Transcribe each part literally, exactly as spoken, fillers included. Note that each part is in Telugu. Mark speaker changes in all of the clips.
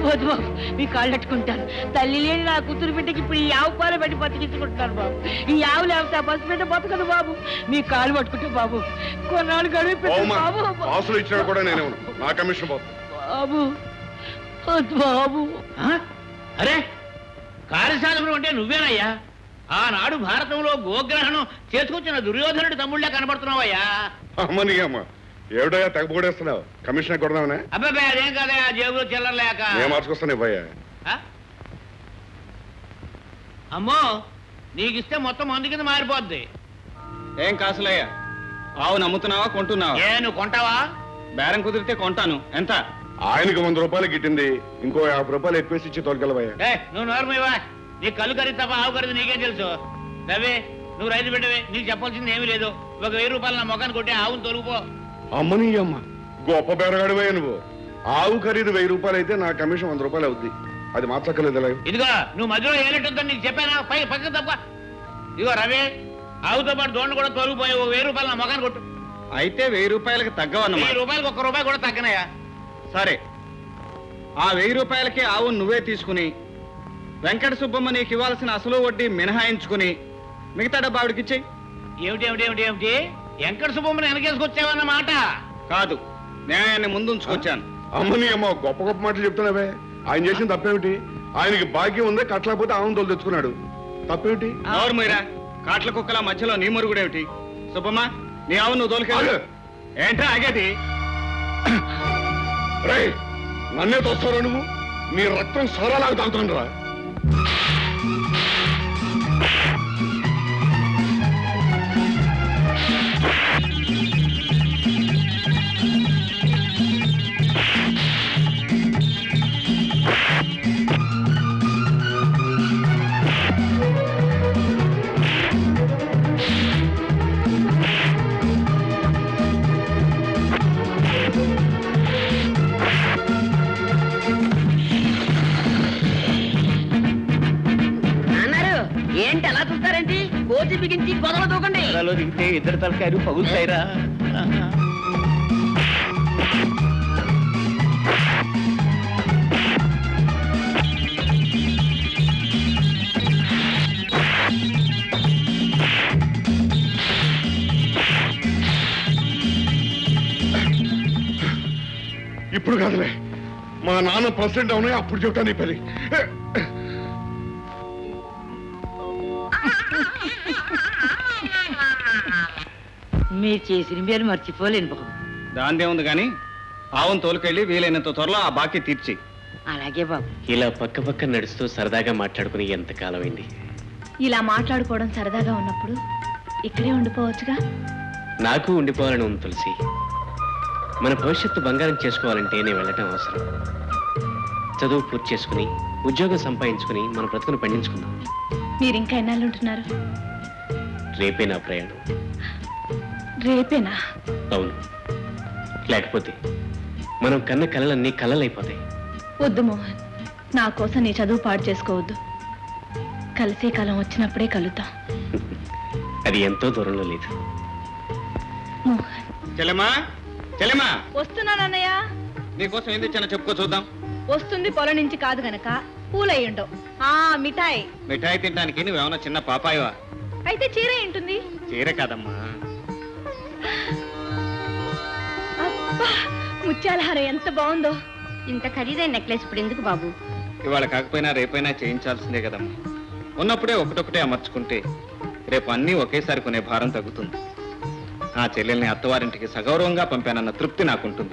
Speaker 1: వద్దు బాబు, మీ కాళ్ళు పెట్టుకుంటాను. తల్లి లేని నా కూతురు బిడ్డకి ఇప్పుడు ఈ ఆవు పాలు పెట్టి బతికించుకుంటున్నాను బాబు. ఈ ఆవు లేకపోతే ఆ బస్సు బిడ్డ బతకదు బాబు. మీ కాళ్ళు పట్టుకుంటా బాబు, కొన్నాళ్ళు గడువు పెట్టు బాబు.
Speaker 2: ఆసులు ఇచ్చినా కూడా నేనే నా కమిషన్ బాబు.
Speaker 1: బాబు వద్దు బాబు.
Speaker 3: అరే కార్యసాధకుడు అంటే నువ్వేనయ్యా? ఆనాడు భారతంలో గోగ్రహణం చేసుకొచ్చిన దుర్యోధనుడి తమ్ముళ్ళే కనబడుతున్నావయ్యా.
Speaker 2: అమ్మని అమ్మ ఏమిటయ్యా తెగపోడేస్తున్నావు? కమిషన్ కొడదామనే?
Speaker 3: అబ్బాయి అదేం కదయా, జేబులో చిల్లరలేక.
Speaker 2: నేను మార్చుకొస్తాను ఇవ్వయ్యా.
Speaker 3: అమ్మో నీకిస్తే మొత్తం మందు కింద మారిపోద్ది.
Speaker 4: ఏం కాసులయ్యా, ఆవు నమ్ముతున్నావా కొంటున్నావా?
Speaker 3: ఏ నువ్వు కొంటావా?
Speaker 4: బేరం కుదిరితే కొంటాను. ఎంత?
Speaker 2: ఆయనకి వంద రూపాయలు గిట్టింది, ఇంకో యాభై రూపాయలు ఎక్కువేసి ఇచ్చి తోలుకెళ్ళవయ్యా.
Speaker 3: ఏ నువ్వు నోరమివా, నీ కళ్ళు ఖరీదు తప్ప ఆవు ఖరీదు నీకేం తెలుసు? రవి నువ్వు రైతు బిడ్డవే, నీకు చెప్పాల్సింది ఏమీ లేదు. ఒక వెయ్యి రూపాయలు నా మొఖాన్ని కొట్టి ఆవును తొలుగుపో.
Speaker 2: అమ్మని అమ్మ గొప్ప బేరగాడివయ్యా నువ్వు. ఆవు ఖరీదు వెయ్యి రూపాయలు అయితే నా కమిషన్ వంద రూపాయలు అవుద్ది. అది మార్చక్కర్లేదు.
Speaker 3: ఇదిగో నువ్వు మధ్యలో ఏలెట్టుందని నీకు చెప్పానా? పై పక్క తప్ప. ఇదిగో రవి ఆవుతో పాటు దోండు కూడా తొలగిపోయి ఓ వెయ్యి రూపాయలు నా మొఖాన్ని కొట్టు.
Speaker 4: అయితే వెయ్యి రూపాయలకి తగ్గవన్నమాట.
Speaker 3: వెయ్యి రూపాయలకు ఒక్క రూపాయి కూడా తగ్గనయా.
Speaker 4: సరే, ఆ వెయ్యి రూపాయలకి ఆవు నువ్వే తీసుకుని వెంకట సుబ్బమ్మ నీకు ఇవ్వాల్సిన అసలు వడ్డీ మినహాయించుకుని మిగతా డబ్బా ఆవిడకి ఇచ్చేయి.
Speaker 3: ఏమిటి ఏమిటి ఏమిటి ఏమిటి వెంకట సుబ్బమ్మని వెనకేసుకొచ్చావన్నమాట?
Speaker 4: కాదు, న్యాయాన్ని ముందు ఉంచుకొచ్చాను.
Speaker 2: అమ్మని అమ్మ గొప్ప గొప్ప మాటలు చెప్తున్నావే. ఆయన చేసిన తప్పేమిటి? ఆయనకి భాగ్యం ఉందే, కట్టలేకపోతే ఆవును తోలు తెచ్చుకున్నాడు. తప్పేమిటి?
Speaker 4: ఎవరు మీరా కాట్ల కుక్కల మధ్యలో నీ మురుగుడేమిటి? సుబ్బమ్మ నీ ఆవు నువ్వు తోలుకెళ్ళు. ఏంట్రా ఆగేది?
Speaker 2: రే నన్నే తోస్తారా నువ్వు? నీ రక్తం సారాలాగా తాగుతాను రా.
Speaker 1: ఏంటి అలా చూస్తారేంటి? కోతి బిగించి గొడవ దూకండి.
Speaker 3: దిగితే ఇద్దరు తలకాయలు పగులుతాయిరా.
Speaker 2: ఇప్పుడు కాదులే, మా నాన్న ప్రెసిడెంట్ అవునా అప్పుడు చెప్తాను ఈ పని.
Speaker 1: మీరు చేసిన మీరు మర్చిపోలేను బాబు.
Speaker 4: దాందే ఉంది కానీ ఆవును తోలుకెళ్ళి వీలైనంత త్వరలో ఆ బాకీ తీర్చి.
Speaker 1: అలాగే బాబు.
Speaker 5: ఇలా పక్క పక్క నడుస్తూ సరదాగా మాట్లాడుకుని ఎంత కాలమైంది.
Speaker 6: ఇలా మాట్లాడుకోవడం సరదాగా ఉన్నప్పుడు ఇక్కడే ఉండిపోవచ్చుగా.
Speaker 5: నాకు ఉండిపోవాలని ఉంది తులసి. మన భవిష్యత్తు బంగారం చేసుకోవాలంటే నేను వెళ్ళటం అవసరం. చదువు పూర్తి చేసుకుని ఉద్యోగం సంపాదించుకుని మన బ్రతుకును పండించుకుందాం.
Speaker 6: మీరు ఇంకా ఎన్నాళ్ళు ఉంటున్నారు?
Speaker 5: రేపే నా ప్రయాణం.
Speaker 6: రేపేనా?
Speaker 5: అవును, లేకపోతే మనం కన్న కలలన్నీ కలలైపోతాయి.
Speaker 6: వద్దు మోహన్, నా కోసం నీ చదువు పాడు చేసుకోవద్దు. కలిసే కాలం వచ్చినప్పుడే కలుద్దాం.
Speaker 5: అది ఎంతో దూరంలో లేదు.
Speaker 6: మోహన్.
Speaker 4: చెల్లెమ్మా, చెల్లెమ్మా,
Speaker 6: వస్తున్నానన్నయ్య.
Speaker 4: నీకోసం ఏం తెచ్చానో చెప్పుకో చూద్దాం.
Speaker 6: వస్తుంది పొలం నుంచి కాదు గనక పూలయ్యుండవు. ఆ మిఠాయి.
Speaker 4: మిఠాయి తినడానికి నువ్వేమన్నా చిన్న పాపాయవా?
Speaker 6: అయితే చీర ఏంటుంది?
Speaker 4: చీర కాదమ్మా.
Speaker 6: అబ్బా, ముత్యాల హారం ఎంత బాగుందో.
Speaker 7: ఇంత ఖరీదైన నెక్లెస్ ఇప్పుడు ఎందుకు బాబు?
Speaker 4: ఇవాళ కాకపోయినా రేపైనా చేయించాల్సిందే కదమ్మా. ఉన్నప్పుడే ఒకటొకటే అమర్చుకుంటే రేపు అన్నీ ఒకేసారి కొనే భారం తగ్గుతుంది. ఆ చెల్లెల్ని అత్తవారింటికి సగౌరవంగా పంపానన్న తృప్తి నాకుంటుంది.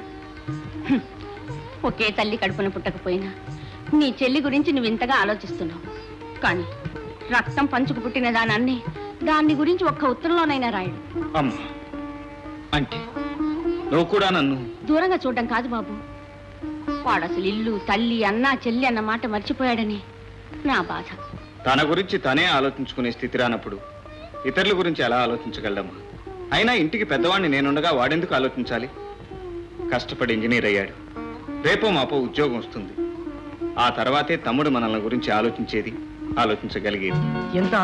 Speaker 7: ఒకే తల్లి కడుపున పుట్టకపోయినా నీ చెల్లి గురించి నువ్వు ఇంతగా ఆలోచిస్తున్నావు. కానీ రక్తం పంచుకు పుట్టిన దానాన్ని దాన్ని గురించి ఒక్క ఉత్తరంలోనైనా రాయడు.
Speaker 4: అమ్మా, అంటే నువ్వు కూడా నన్ను
Speaker 7: దూరంగా చూడడం కాదు బాబు. వాడు అసలు ఇల్లు, తల్లి, అన్న, చెల్లి అన్న మాట మర్చిపోయాడని నా బాధ.
Speaker 4: తన గురించి తనే ఆలోచించుకునే స్థితి రానప్పుడు ఇతరుల గురించి ఎలా ఆలోచించగలమ్మా? అయినా ఇంటికి పెద్దవాడిని నేనుండగా వాడెందుకు ఆలోచించాలి? కష్టపడి ఇంజనీర్ అయ్యాడు. రేపో మాపో ఉద్యోగం వస్తుంది. ఆ తర్వాతే తమ్ముడు మనల్ని గురించి ఆలోచించేది, ఆలోచించగలిగేది.
Speaker 1: ఎంత